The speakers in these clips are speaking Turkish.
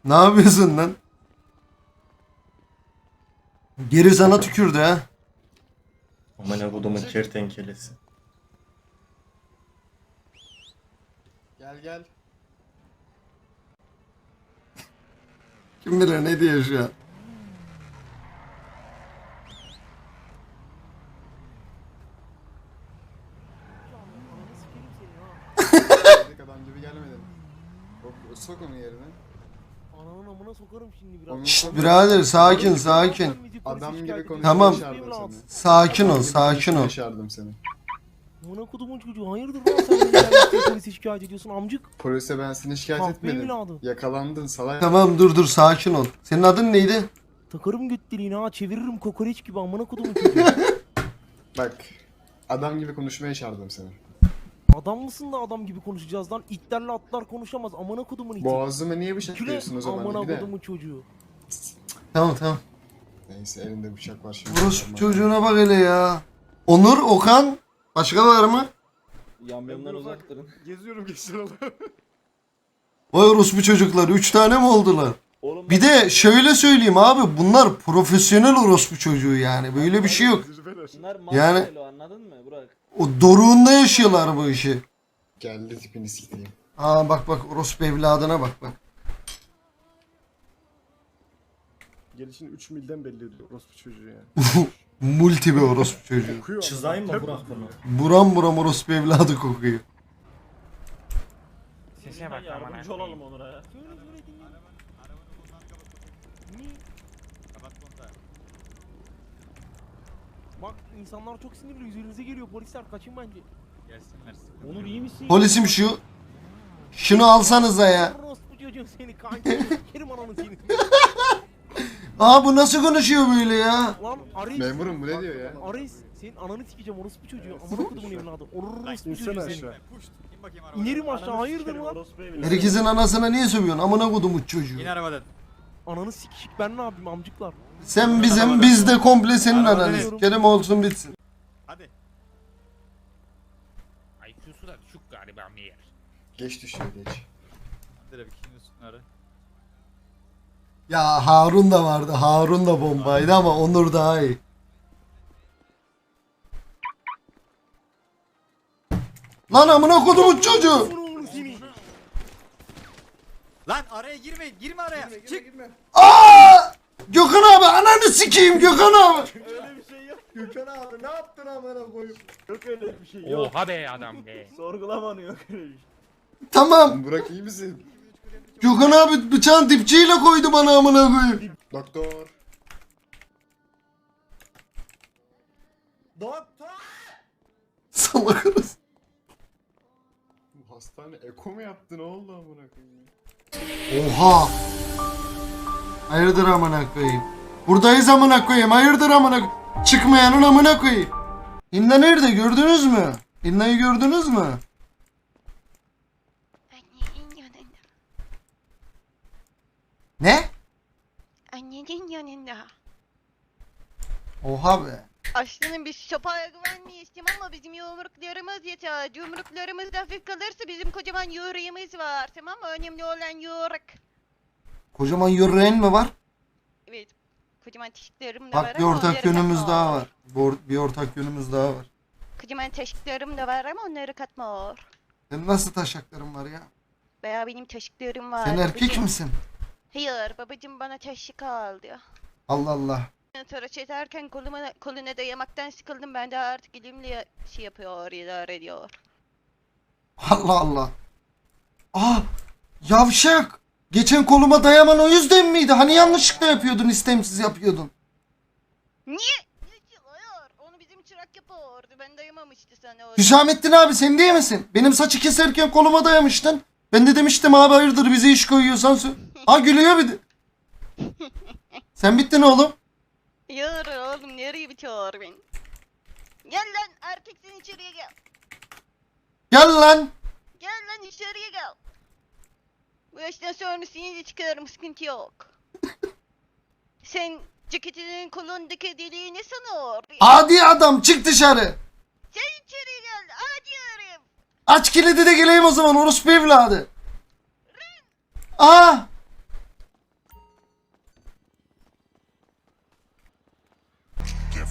Ne yapıyorsun lan? Geri sana tükürdü ha. Amına kodumun kertenkelesi. Gel gel. Kim bilir ne diyor şu an. Dedik adam gibi gelmedin. Sok onu yerine. Ananın amına sokarım şimdi biraz. Onu Şşt sok. birader sakin sakin. Adam gibi konuşmaya Tamam. yaşardım seni. Sakin ol Adam gibi sakin konuşmaya ol. Yaşardım seni. Amına kodumun çocuğu hayırdır lan sen beni gelmişsin polise şikayet ediyorsun amcık. Polise ben seni şikayet Kahpe etmedim. evladı. Yakalandın salak. Tamam dur sakin ol. Senin adın neydi? Takarım götlerini ha çeviririm kokoreç gibi amına kodumun çocuğu. Bak. Adam gibi konuşmaya yaşardım seni. Adam mısın da adam gibi konuşacağız lan itlerle atlar konuşamaz amına kodumun iti. Boğazıma niye Küle bıçaklıyorsun o zaman? amına Bir de. kodumun çocuğu. Tamam tamam. Neyse elinde bıçak var şimdi. Burası çocuğuna bak hele ya. Onur, Okan. Başka var mı? Yamyamdan uzak durun. Geziyorum geçiyorum. Vay orospu çocuklar. 3 tane mi oldular? Oğlum Bir de şöyle söyleyeyim abi. Bunlar profesyonel orospu çocuğu yani. Böyle bir şey yok. bunlar Yani- yani... anladın mı Burak? O doruğunda yaşıyorlar bu işi. Geldi tipini sikeyim. Aa bak bak orospu evladına bak bak. Gelişini 3 milden belli ediyor orospu çocuğu yani. Multi bir orospu çocuğu. Okuyor ama. Çızayım mı Burak bunu? Buram buram orospu evladı kokuyor. Sese bak aman Yardımcı olalım Onur'a ya. Söyle söyle dinle. Niye? Bak insanlar çok sinirli üzerinize geliyor polisler kaçın bence. Onur iyi misin? Polisim şu. Şunu alsanıza ya. Orospu çocuğum seni kanki sikerim ananı seni. Aa bu nasıl konuşuyor böyle ya? Lan Aris. Memurum bu ne diyor ya? Aris senin ananı sikeceğim orospu çocuğu. Amına kodumun evladı. Orospu İnsene çocuğu seni. aşağı. İnerim aşağı hayırdır lan? Herkesin anasına niye sövüyorsun? Amına kodumu çocuğu. Ananı sikişik ben ne yapayım amcıklar. Sen bizim biz de komple senin Arabadan ananı. iniyorum. Sikerim olsun bitsin. IQ'su da düşük galiba meğer. Geç düşüyor geç. Ya Harun da vardı. Harun da bombaydı ama Onur daha iyi. Lan amına kodumun çocuğu. Oğlum seni. Lan araya girmeyin. Girme araya. Çık. Aa! Gökhan abi ananı sikeyim Gökhan abi. Öyle bir şey yok. Gökhan abi ne yaptın amına koyup? Yok öyle bir şey yok. Oha be adam be. Sorgulamanı yok öyle bir şey. Tamam. Burak iyi misin? Gökhan abi bıçağın dipçiyle koydu bana amına koyayım. Doktor. Doktor! Salak arası. Bu hastane eko mu yaptı ne oldu amına koyayım? Oha. Hayırdır amına koyayım. Buradayız amına koyayım. Hayırdır amına koyayım. Çıkmayanın amına koyayım. İnna nerede gördünüz mü? İnna'yı gördünüz mü? Annenin yanında. Ne? Annenin yanında. Oha be. Aslanım biz sopaya güvenmeyiz tamam mı? Bizim yumruklarımız yeter. Yumruklarımız da hafif kalırsa bizim kocaman yüreğimiz var tamam mı? Önemli olan yumruk. Kocaman yüreğin mi var? Evet. Kocaman teşiklerim de var Bak bir ama ortak onları yönümüz katma daha or. var. Bir ortak yönümüz daha var. Kocaman teşiklerim de var ama onları katma or. Senin nasıl taşakların var ya? Veya benim teşiklerim var. Sen erkek babacım. misin? Hayır babacım bana teşvik aldı. Allah Allah. Tıraş ederken koluna dayamaktan sıkıldım ben de artık elimle şey yapıyor idare ediyor. Allah Allah. Aa, yavşak. Geçen koluma dayaman o yüzden miydi? Hani yanlışlıkla yapıyordun, istemsiz yapıyordun. Niye? Hayır. Onu bizim çırak yapıyordu. Ben dayamamıştı sana o. Hüsamettin abi sen değil misin? Benim saçı keserken koluma dayamıştın. Ben de demiştim abi hayırdır bize iş koyuyorsan Ha gülüyor bir de. Sen bittin oğlum. Hayır oğlum nereye bitiyor ben? Gel lan erkeksin içeriye gel. Gel lan. Gel lan içeriye gel. Bu yaştan sonra seni de çıkarım sıkıntı yok. Sen ceketinin kolundaki deliği ne sanıyor? Adi adam çık dışarı. Sen içeriye gel hadi yarım. Aç kilidi de geleyim o zaman orospu evladı. Aa.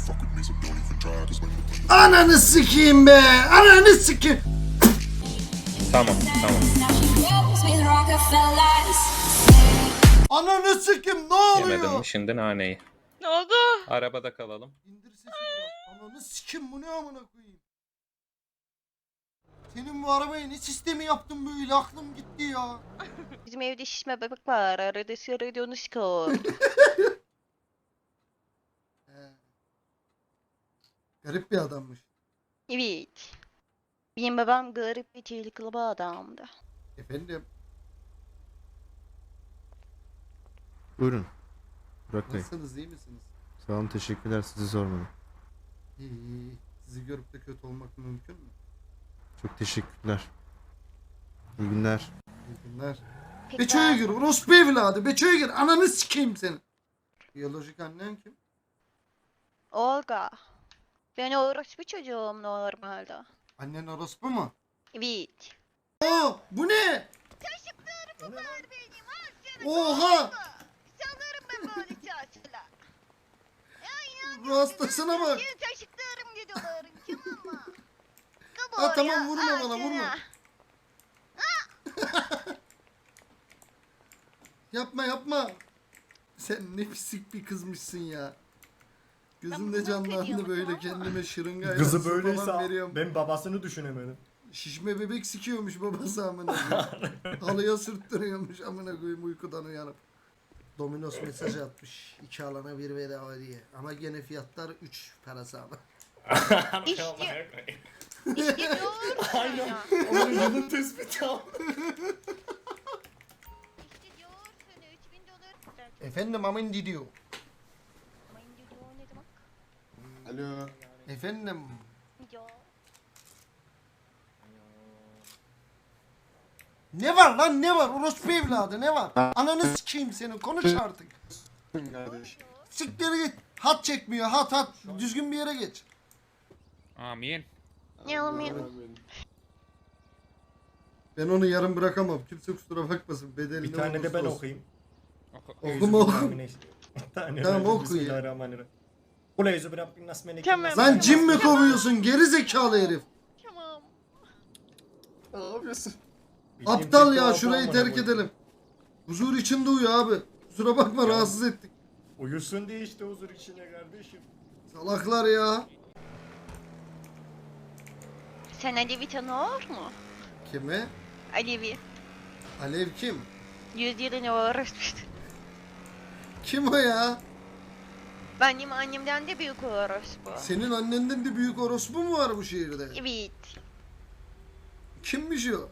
Ananı sikeyim be. Ananı sikeyim. Tamam tamam. Ananı sikeyim ne oluyor? Yemedim mi şimdi naneyi? Ne oldu? Arabada kalalım. İndir sesi biraz. Ananı sikeyim bu ne amına koyayım. Senin bu arabaya ne sistemi yaptın böyle aklım gitti ya. Bizim evde şişme bebek var. Arada sırada onu sıkıyor. Garip bir adammış. Evet. Benim babam garip ve tehlikeli bir adamdı. Efendim Buyurun. Burak Bey. nasılsınız iyi misiniz? Sağ olun, teşekkürler, sizi sormadım. İyi. Sizi görüp de kötü olmak mümkün mü? Çok teşekkürler. İyi günler. İyi günler. Peki Beço'ya ben- gir orospu evladı. Beço'ya gir ananı sikeyim seni. Biyolojik annen kim? Olga. Ben orospu çocuğum normalde. Annen orospu mu? Evet. Oo bu ne? Taşıklarım var benim. Al sana. Oha! Sanırım ben böyle taşla. Bu hastasına bak. Senin taşıklarım gidiyorlar. Tamam mı? Ha, tamam, vurma bana, vurma. Yapma yapma. Sen ne pislik bir kızmışsın ya. Gözümde bunu canlandı biliyorum, böyle tamam mı? kendime şırıngayla Kızı su falan böyleyse veriyorum. ben babasını düşünemedim. Şişme bebek sikiyormuş babası amına koyayım. Halıya sürttürüyormuş amına koyayım uykudan uyanıp. Domino's mesajı atmış. 2 alana 1 bedava diye. Ama gene fiyatlar 3 parası ama. İşte diyor sana. Onun yılın tespiti al. İşte diyor sana $3000. Efendim amin diyor. Ama indi diyor ne demek? Alo. Efendim. Ya. Ne var lan ne var? Orospu evladı ne var? Ananı sikeyim seni konuş artık. Siktir git. Hat çekmiyor hat. Düzgün bir yere geç. Amin. Ne olmuyor? Ben onu yarım bırakamam. Kimse kusura bakmasın. Bedelini Bir tane de olursa ben olsun. okuyayım. Okuma oku. Tamam, oku ya. Bismillahirrahmanirrahim. Kul eûzü bi rabbin nas melekin Tamam. nas. Lan cin mi kovuyorsun geri zekalı herif? Tamam. Ne yapıyorsun? Bildiğim Aptal tek ya dua şurayı bu terk amına edelim. Huzur içinde uyu abi. Kusura bakma rahatsız ettik. koyayım. Uyusun diye işte huzur içine kardeşim. Salaklar ya. Sen Alevi tanıyor mu? Kime? Alevi. Alev kim? 100 yılını orospu. Kim o ya? Benim annemden de büyük orospu. Senin annenden de büyük orospu mu var bu şehirde? Evet. Kimmiş o?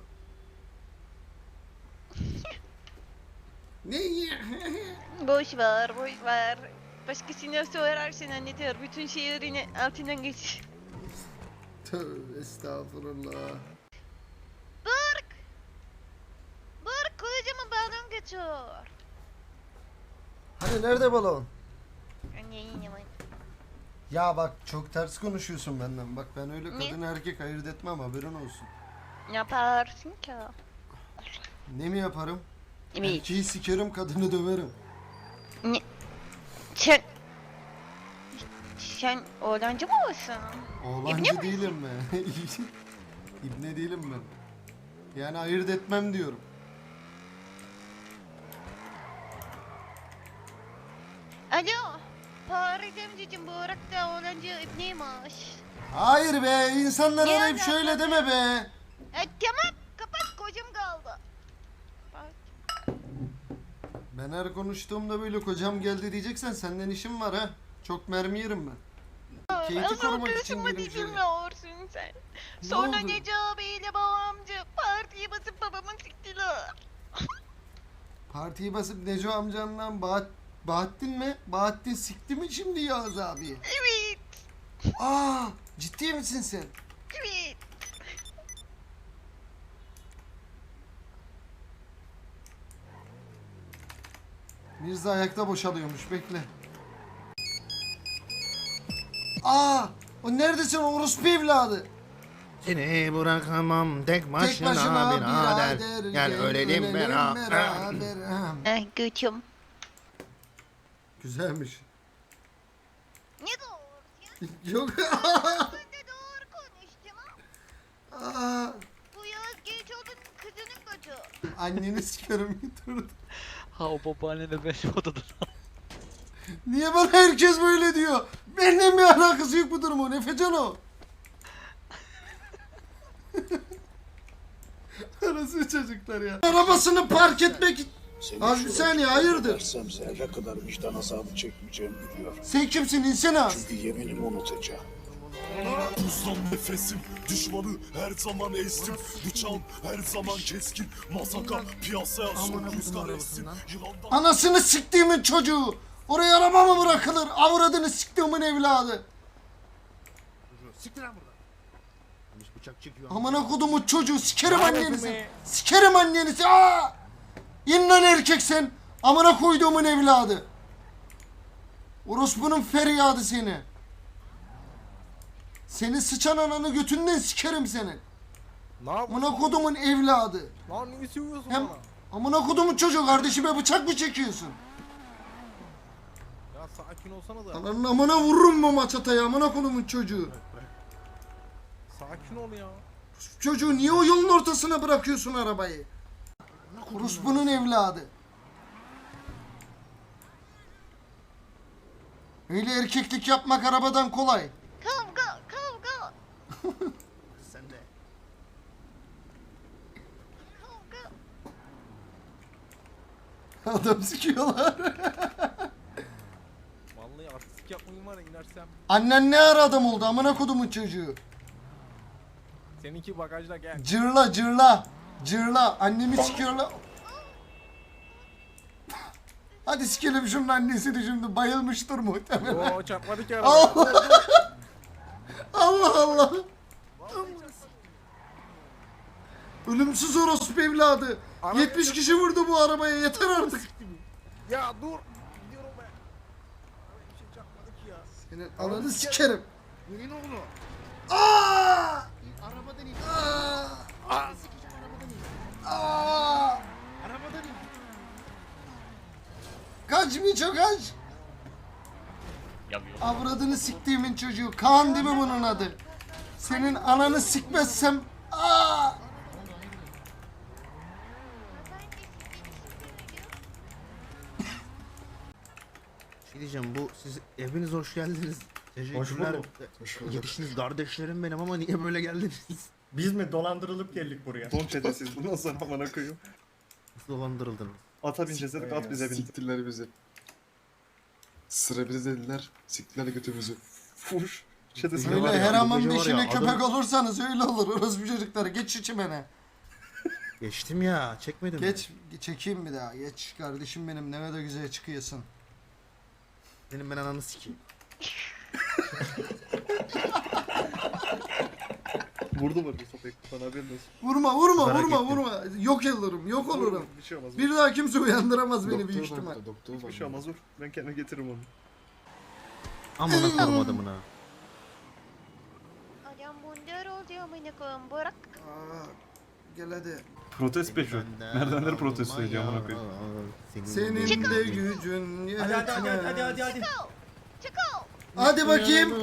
Ne? Boş ver, boş ver. Başkasına sorarsan anlatır. Bütün şehrini altından geç. Tövbe estağfurullah. Bırk! Bırk kocaman balon geçiyor. Hani nerede balon? Anne yine var. Ya bak çok ters konuşuyorsun benden. Bak ben öyle Ne? kadın erkek ayırt etmem haberin olsun. Ne yaparsın ki? Ne mi yaparım? Evet. Erkeği sikerim kadını döverim. Sen... Sen oğlancı mı olsun? Oğlancı değilim ben. İbne değilim ben. Yani ayırt etmem diyorum. Alo. Paris emcicim bu orakta oğlancı ibneymiş. Hayır be insanlar Niye arayıp öyle şöyle yapmadın? deme be. Tamam kapat kocam kaldı. Bak. Ben her konuştuğumda böyle kocam geldi diyeceksen senden işim var ha. Çok mermi yerim ben. Kate'i Asıl korumak için kısmı girdim içeri. bilmiyorsun sen. Ne Sonra oldu? Necabi ile babamcı partiye basıp babamı siktiler. Partiyi basıp Neco amcanla Bahattin mi? Bahattin sikti mi şimdi Yağız abi? Evet. Aa, ciddi misin sen? Evet. Mirza ayakta boşalıyormuş bekle. Aa, o neredesin orospu evladı? Seni bırakamam tek başına, Tek başına birader. birader. Gel ölelim beraber. beraber. Ay götüm. Güzelmiş. Ne doğru ya? Yok. Ben de doğru konuş tamam. Aa, Bu Yağız Gençoğlu'nun kızının koçu. anneni sikerim götürdü. Ha o babaanne de benim odada. Niye bana herkes böyle diyor? Benimle bir alakası yok bu durumun. Efecan o. Arası çocuklar ya. Arabasını park etmek... Az bir saniye hayırdır? Zerre kadar vicdan azabı çekmeyeceğimi biliyorum. Sen kimsin insana? Çünkü yeminimi unutacağım. Buzdan nefesim, düşmanı her zaman ezdim. Bıçağım her zaman keskin. Masaka piyasaya son rüzgar essin. Yılandan Anasını siktiğimin çocuğu. Oraya araba mı bırakılır? Avradını siktiğimin evladı. Siktir lan buradan. Bıçak çekiyor. Amına kodumun çocuğu sikerim annenizi. Sikerim annenizi. Aa! İn lan erkek sen. Amına koyduğumun evladı. Orospu'nun feryadı seni. Seni sıçan ananı götünden sikerim senin. Ne yapıyorsun? Amına kodumun evladı. Lan niye sövüyorsun Hem bana? amına kodumun çocuğu kardeşime bıçak mı çekiyorsun? Ya sakin olsana da. Ananın amına vururum bu maçataya amına kodumun çocuğu. Sakin ol ya. Çocuğu niye o yolun ortasına bırakıyorsun arabayı? Orospu'nun evladı. Öyle erkeklik yapmak arabadan kolay. Kavga kavga Sen de. kavga. Adam sikiyorlar. Vallahi artistik yapmayın var ya inersem. Annen ne ara adam oldu amına kodumun çocuğu. Seninki bagajda gel. Cırla cırla. Cırla. Annemi sikiyorlar. Hadi sikelim şunun annesini şimdi bayılmıştır muhtemelen. Oo çarpmadık ya. Allah Allah Allah. Ölümsüz orospu evladı. 70 kişi vurdu bu arabaya yeter artık. Ya dur. Gidiyorum ben. Bir şey çarpmadık ya. Senin ananı sikerim. Neyin oğlu? Aa! Arabadan in. Aa! Sikeceğim arabadan in. Aa! Arabadan in. Kaç Miço kaç. Avradını siktiğimin çocuğu. Kaan değil mi bunun adı? Senin ananı sikmezsem... Aa! Şey diyeceğim bu siz hepiniz hoş geldiniz. Hoş bulduk. Yetişiniz kardeşlerim benim ama niye böyle geldiniz? Biz mi dolandırılıp geldik buraya? Don çetesiz bundan sonra amına koyayım. Nasıl dolandırıldınız? Ata bineceğiz dedik at bize bin. Siktirler bizi. Sıra bize dediler. Siktirler götümüzü. Fuş. Çetesi Öyle Öyle var ya, her bu aman gece var beşine ya, köpek adam- olursanız öyle olur. Orospu çocuklar geç şu çimene. Geçtim ya çekmedim. Geç çekeyim bir daha. Geç kardeşim benim ne de güzel çıkıyorsun. Senin ben ananı sikeyim. Vurdu mu bu sopayı? Bana haberin olsun. Vurma vurma Merak vurma ettim. vurma. Yok olurum yok olurum. Bir şey olmaz. Bir daha kimse uyandıramaz beni büyük Doktor ihtimal. var, doktor var. Bir şey olmaz dur. Ben kendime getiririm onu. Amına korum adamına. Adam bundar oldu amına koyayım bırak. Aa, gel hadi. Protest peşi. Merdivenleri protesto ediyor amına koyayım. Senin de gücün yetmez. Çıkıl. Hadi bakayım.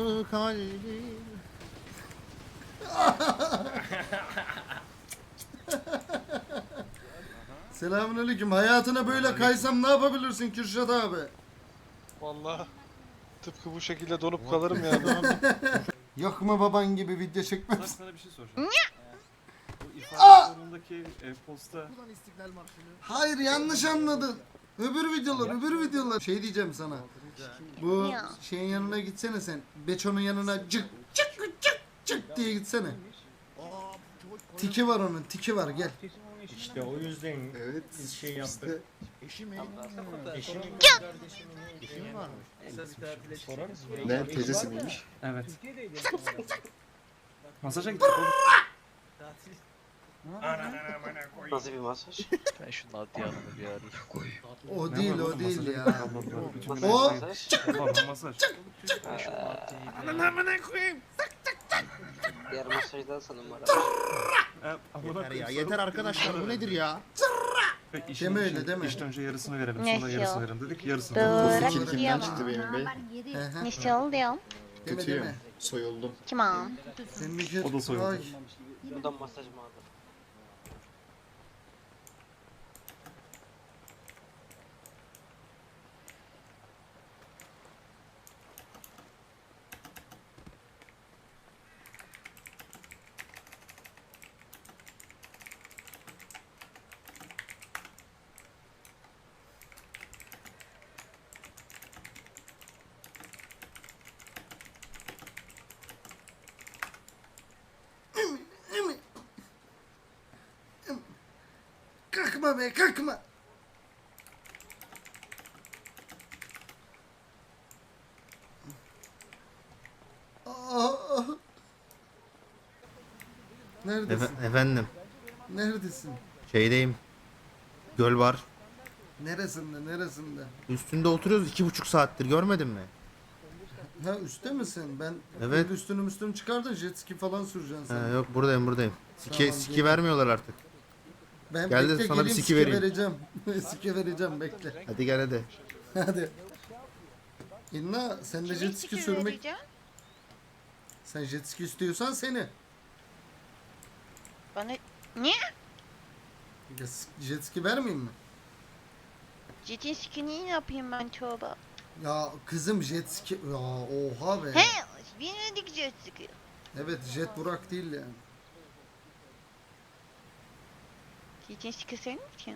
Selamünaleyküm. Hayatına böyle kaysam ne yapabilirsin Kürşat abi? Vallahi tıpkı bu şekilde donup kalırım ya. Yok mu baban gibi video çekmem? Sana bir şey soracağım. Bu Aa! ifade sorunundaki posta Hayır yanlış anladın. Öbür videolar. Şey diyeceğim sana. Bu Ya. şeyin yanına gitsene sen. Beço'nun yanına cık cık cık cık diye gitsene. Tiki var onun, tiki var gel. işte o yüzden Evet. biz şey yaptık. Eşi mi? Eşim Eşi mi varmış? Ne teyzesi miymiş? Evet. Masaja gittik oğlum. Nasıl bir masaj? Ben şu Nadia Hanım'ı bir arayayım. O değil o değil ya. Bütün O gün masaj. Ben şu Nadia'yı Diğer masajdan sana numara. Yeter ya yeter arkadaşlar bu nedir ya? Deme öyle, deme. İşte önce yarısını verelim Ne sonra ya? yarısını verelim dedik yarısını. Bırak Kimden yiyemem. çıktı benim bey? Ehe. Ne şey oldu ya? Deme Kötüyüm. deme. Soyuldum. Kim o? Senin bir O da soyuldu. Ay. Buradan masaj mı aldın? Kalkma be kalkma. Aa. Neredesin? Efendim, Neredesin? şeydeyim. Göl var. Neresinde? Üstünde oturuyoruz 2,5 saattir, görmedin mi? Ha üstte misin? Ben Evet. üstünü çıkardın, jet ski falan süreceksin sen. Yok, buradayım. Tamam, Siki geliyorum. vermiyorlar artık. Ben Gel de bekle, sana bir geleyim, siki vereyim. vereceğim. Siki vereceğim bekle. Hadi gel hadi. Hadi. İnna sen de jet ski sürmek... vereceğim? Sen jet ski istiyorsan seni. Bana... Niye? Ya, jet ski vermeyeyim mi? Jetin skini ne yapayım ben çoğba? Ya kızım jet ski... Ya oha be. He, bilmedik jet ski. Evet jet Burak değil yani. Jetin ski senin için.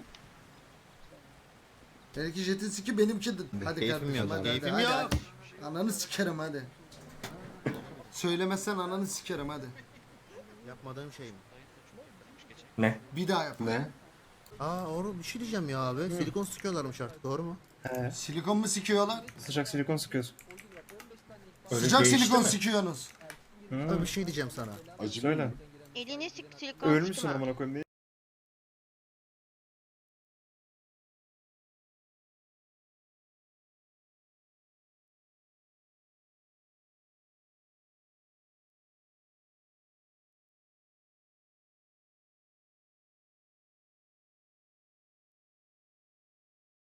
Belki jetin ski benimki de. Hadi Keyfim kardeşim yok, hadi keyfim hadi, yok. hadi. Ananı sikerim hadi. Söylemezsen ananı sikerim hadi. Yapmadığım şey mi? Ne? Bir daha yap. Ne? Oğlum bir şey diyeceğim ya abi. Silikon sıkıyorlarmış artık, doğru mu? Silikon mu sikiyorlar? Sıcak silikon sıkıyorsun. Sıcak değişti silikon mi? sikiyorsunuz. Abi bir şey diyeceğim sana. Acı Söyle. Elini sık silikon Ölmüşsün sıkma. amına koyayım.